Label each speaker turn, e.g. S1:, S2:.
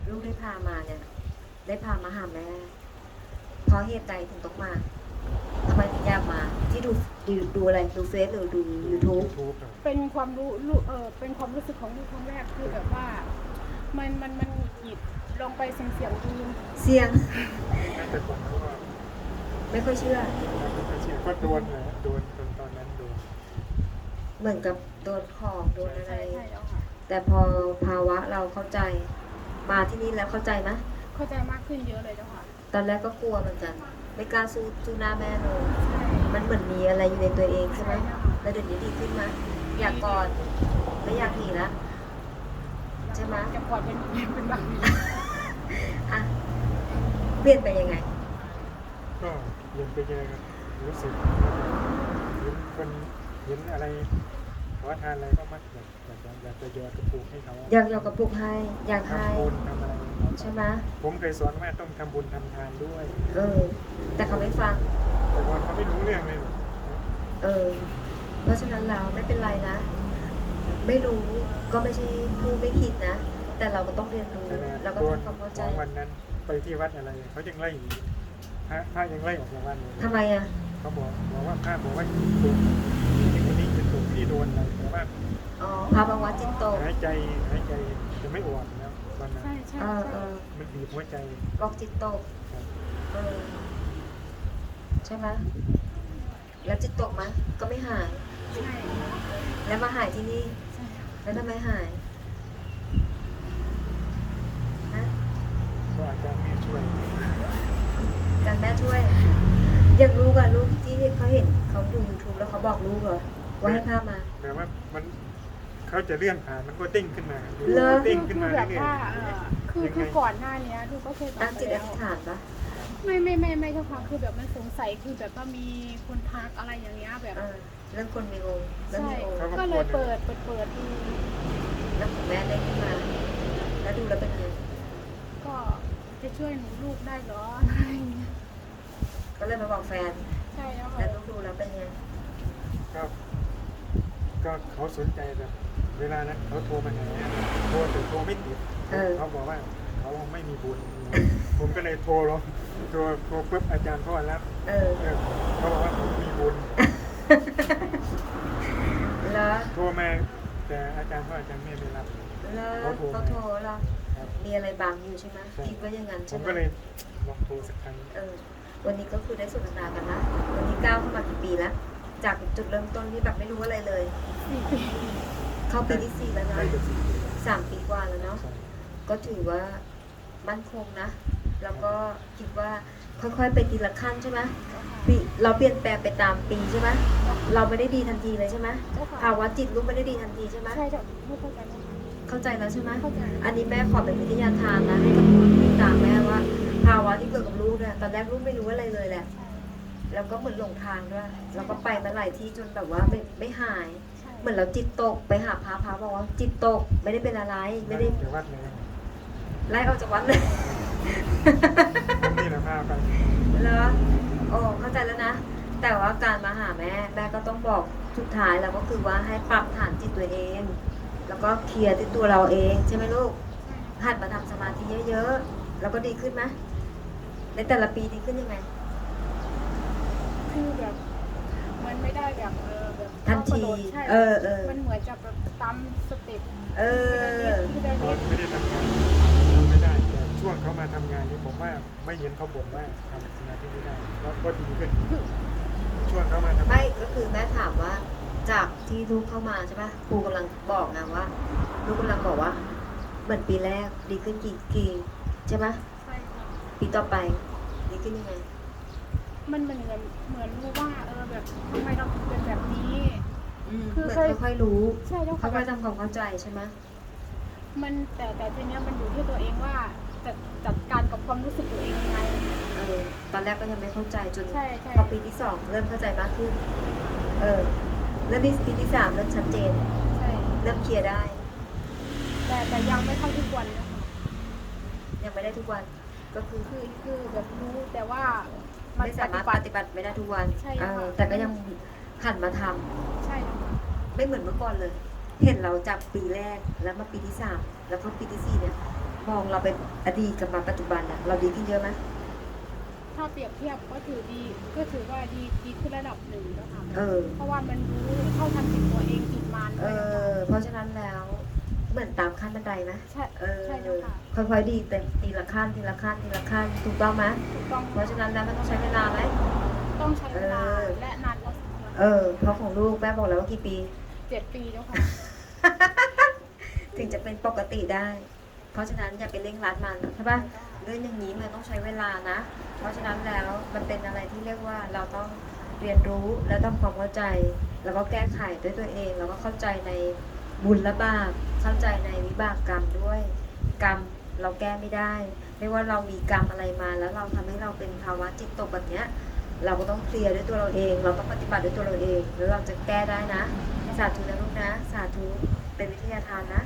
S1: ลูกได้พามาเนี่ยได้พามาหาแม่เพราะเหตุใดถึงต้องมาทำไมถึงอยากมาที่ดูอะไรดูเฟซหรือดู YouTube
S2: เป็นความเป็นความรู้สึกของลูกครั้งแรกคือแบบว่ามันหงุดหงิดลองไปเสี่ยงดู
S1: เสี่ยง
S3: แต่ผมก็
S1: ไม่ค่อยเชื่อ
S3: ไม่เชื่อก็โดนเลยโดนตอนนั้นโดน
S1: เหมือนกับโดนของโดนอะไร
S2: ใช่แล้วค่ะ
S1: แต่พอภาวะเราเข้าใจมาที่นี่แล้วเข้าใจไหม
S2: เข้าใจมากขึ้นเยอะเลยเจ้าค่ะ
S1: ตอนแรกก็กลัวเหมือนกัน ไม่กล้าสู้หน้าแม่เลย
S2: ใช่
S1: มันเหมือนมีอะไรอยู่ในตัวเองใช่ไหม
S2: ใช่ค่ะ
S1: แล้วเดี๋ยวนี้ดีขึ้นไหมอยากกอดไม่อยากหนีละ ใช่ไหม
S2: จะกอดเป็นบางที
S1: อ่ะเปลี่ยนไปยังไง
S3: ก็เย็นไปเจอกันรู้สึกเห็นคนเห็นอะไรขอทานอะไรก็มักอยากจะโยนกระปุกให้เขา
S1: อยากกระปุกให้อยากให้
S3: ทำบุญทำอะไร
S1: ใช่ไหม
S3: ผมเคยสอนว่าต้องทำบุญทำทานด้วย
S1: แต่เขาไม่ฟัง
S3: แต่ก่อนเขาไม่รู้เรื่องเลย
S1: เพราะฉะนั้นเราไม่เป็นไรนะ ไม่รู้ก็ไม่ใช่ผู้ไม่ผิดนะ แต่เราก็ต้องเรียนรู้
S3: แต่
S1: แล้วก็
S3: โดน
S1: ทำความเข้าใจ
S3: ของวันนั้นไปที่วัดอะไรเขายังไล่อยู่พระยังไล่ออกจากวัดเลย
S1: ทำไมอ่ะ
S3: เขาบอกว่าพระบอกว่าถูกที่คนนี้เป็นถูกที่โดนอะไรแต่ว่า
S1: อ๋อพาบางวัดจิตตก
S3: หายใจจะไม่ออกแล้ววันนั้น
S2: ใช่ใช่
S3: มันบีบหัวใจ
S1: บอกจิตตก
S3: ครับ
S1: เออใช่ไหมแล้วจิตตกไหมก็ไม่หาย
S2: ใช่
S1: แล้วมาหายที่นี่
S2: ใช่
S1: แล้วทำไมหายฮะ
S3: ก็อาจารย์แม่ช่วย
S1: การแม่ช่วยอย่างลูกอะลูกที่เขาเห็นเขาดู YouTube แล้วเขาบอกลูกเหรอว่าให้พามา
S3: แต่ว่ามันเขาจะเลื่อนผ่านมันก็เด้งขึ้นมา
S1: เหรอ
S3: เด้งขึ้นมา
S2: แบบ
S3: เรื่อย
S2: ว่า
S3: ๆ
S2: คือก่อนหน้านี้ลูกก็เคย
S1: ตั้งจิตอ
S2: แล้ว
S1: ธิษฐานปะ
S2: ไม่เจ้าค่ะคือแบบมันสงสัยคือแบบว่ามีคนทักอะไรอย่างเงี้ยแบบ
S1: เรื่องคนมีองค์เรื่อง
S2: ใช่
S1: มีองค์
S2: ก็เลยเปิดดู
S1: แล้วของแม่ได้ขึ้นมา แล้วดูแล้วเป็นไง
S2: ก็จะช่วยหนูลูกได้เหรออะไรอย่างเงี้ย
S1: ก็เลยมาบอกแฟน
S2: ใช่แล้ว
S1: แล้ว
S2: ค่ะ
S1: ลูกดูแล้วเป็นไง
S3: ก็เขาสนใจแบบเวลานั้นเขาโทรมาหาโทรแต่โทรไม่ติดเขาบอกว่าเขาไม่มีบุญผมก็เลยโทรลงโทรปุ๊บอาจารย์พ่อรับ เขาบอกว่าผมมีบุญ
S1: แล้ว
S3: โทรมาแต่อาจารย์พ่ออาจารย์แม่ไม่รับ
S1: เขาโทรแล้ว
S3: ครับ
S1: มีอะไรบางอยู่ใช่ไหม
S3: ใช่
S1: คิดว่าอย่างนั้น
S3: ผ
S1: ใช่
S3: ม
S1: ไหม
S3: ก็เลยลองโทรสักครั้ง
S1: วันนี้ก็คือได้สนทนากันนะ วันนี้ก้าวเข้ามากี่ปีแล้ว จากจุดเริ่มต้นที่แบบไม่รู้อะไรเลย
S2: 4 ปี
S1: เข้าปีที่ 4 แล้วนะ
S3: ได้เกือบ4 ปีแล้ว
S1: 3 ปีกว่าแล้วเนาะ
S3: ใช่
S1: ก็ถือว่ามั่นคงนะ แล้วก็คิดว่าค่อยๆไปทีละขั้นใช่ไหมปีเราเปลี่ยนแปลงไปตามปีใช่ไหมเราไม่ได้ดีทันทีเลยใช่ไหม
S2: เจ้าค่ะ
S1: ภาวะจิตลูกไม่ได้ดีทันทีใช่ไหม
S2: ใช่เจ้าไม่เข้าใจแล้ว
S1: เข้าใจแล้วใช่ไหม
S2: เข้าใจ
S1: อันนี้แม่ขอเป็นวิทยาทานนะให้กับคนที่ตามแม่ว่า ภาวะที่เกิดกับลูกเนี่ยตอนแรกลูกไม่รู้อะไรเลยแหละ แล้วก็เหมือนหลงทางด้วยแล้วก็ไปมาหลายที่จนแบบว่าไม่หาย
S2: ใช่
S1: เหมือนเราจิตตกไปหาพระบอกว่าจิตตกไม่ได้เป็นอะไรไม่ได้
S3: เดี๋ยววัดเลยนะ
S1: ไล่ออกจากวัดเลย
S3: ผมนี่แหละพาไป
S1: แล้วโอ้เข้าใจแล้วนะ แต่ว่าการมาหาแม่ก็ต้องบอกสุดท้ายแล้วก็คือว่าให้ปรับฐานจิตตัวเอง แล้วก็เคลียร์ที่ตัวเราเองใช่ไหมลูกหัดมาทำสมาธิเยอะๆแล้วก็ดีขึ้นไหมในแต่ละปีดีขึ้นยังไง
S2: คือแบบมันไม่ได้แบบแบบ
S1: ทันที
S2: กระโดดใช่ มันเหมือนจะแบบตามสเต็ป
S1: เออ
S2: ทีละ
S3: ตอ
S2: นิ
S3: น
S2: ด
S3: ไม่ได้ทำงานทำไม่ได้แต่ช่วงเขามาทำงานนี่ผมว่าไม่เห็นเขาบ่นว่าทำสมาธิไม่ได้ก็ดีขึ้นช่วงเขามาทำ
S1: ไม่ก็คือแม่ถามว่าจากที่ลูกเข้ามาใช่ปะครูกำลังบอกนะว่า ลูกกำลังบอกว่าเหมือนปีแรกดีขึ้นกี่ใช่ปะ
S2: ใช่ค่ะ
S1: ปีต่อไปดีขึ้นยังไง
S2: มันเหมือนรู้ว่าแบบทำไมเราถึงเป็นแบบนี้
S1: เหมือนค่อยๆรู้
S2: ใช่เจ้า
S1: ค่
S2: ค่ะ
S1: อยๆทำความเข้าใจใช่ไหม
S2: มันแต่ทีเนี้ยมันอยู่ที่ตัวเองว่าจะจัดการกับความรู้สึกตัวเองยังไง
S1: ตอนแรกก็ยังไม่เข้าใจจน
S2: ใช่
S1: พอปีที่ 2 เริ่มเข้าใจมากขึ้นเริ่มปีที่ 3 เริ่มชัดเจน
S2: ใช่
S1: เริ่มเคลียร์ได้
S2: แต่ยังไม่เข้าทุกวันนะคะ
S1: ยังไม่ได้ทุกวัน ก็คือ
S2: คือแบบรู้แต่ว่ามัน
S1: ไม่สามารถปฏิบัติไม่ได้ทุกวัน
S2: ใช่ค่ะ
S1: แต่ก็ยังหันมาทำ
S2: ใช่ค่ะ
S1: ไม่เหมือนเมื่อก่อนเลย เห็นเราจากปีแรกแล้วมาปีที่ 3 แล้วก็ปีที่ 4 เนี่ยมองเราเป็นอดีตกับมาปัจจุบันอะเราดีขึ้นเยอะไหม
S2: ถ้าเปรียบเทียบก็ถือว่าดีขึ้นระดับหนึ่งแล้วค่ะ
S1: อ
S2: เพราะว่ามันรู้เท่าทันจิตตัวเองจิตมัน
S1: เพราะฉะนั้นแล้วเหมือนตามขั้นบันไดไหม
S2: ใช่ใช่เจ้าค่ะ
S1: ค่อยๆดีแต่ทีละขั้นทีละขั้นทีละขั้นถูกต้องไหม
S2: ถูกต้อง
S1: เพราะฉะนั้นแล้วมันต้องใช้เวลาไหม
S2: ต้องใช้เวลาและนานพอสมควร
S1: เพราะของลูกแม่บอกแล้วว่ากี่ปี
S2: 7 ปีแล้วค่ะ
S1: ถึงจะเป็นปกติได้ เพราะฉะนั้นอย่าไปเร่งรัดมันใช่ปะเรื่องอย่างนี้มันต้องใช้เวลานะ เพราะฉะนั้นแล้วมันเป็นอะไรที่เรียกว่าเราต้องเรียนรู้และทำความเข้าใจ แล้วก็แก้ไขด้วยตัวเอง แล้วก็เข้าใจในบุญและบาป เข้าใจในวิบากกรรมด้วย กรรมเราแก้ไม่ได้ ไม่ว่าเรามีกรรมอะไรมาแล้วเราทำให้เราเป็นภาวะจิตตกแบบเนี้ย เราก็ต้องเคลียร์ด้วยตัวเราเอง เราต้องปฏิบัติด้วยตัวเราเอง แล้วเราจะแก้ได้นะ สาธุนะลูกนะ สาธุ เป็นวิทยาทานนะ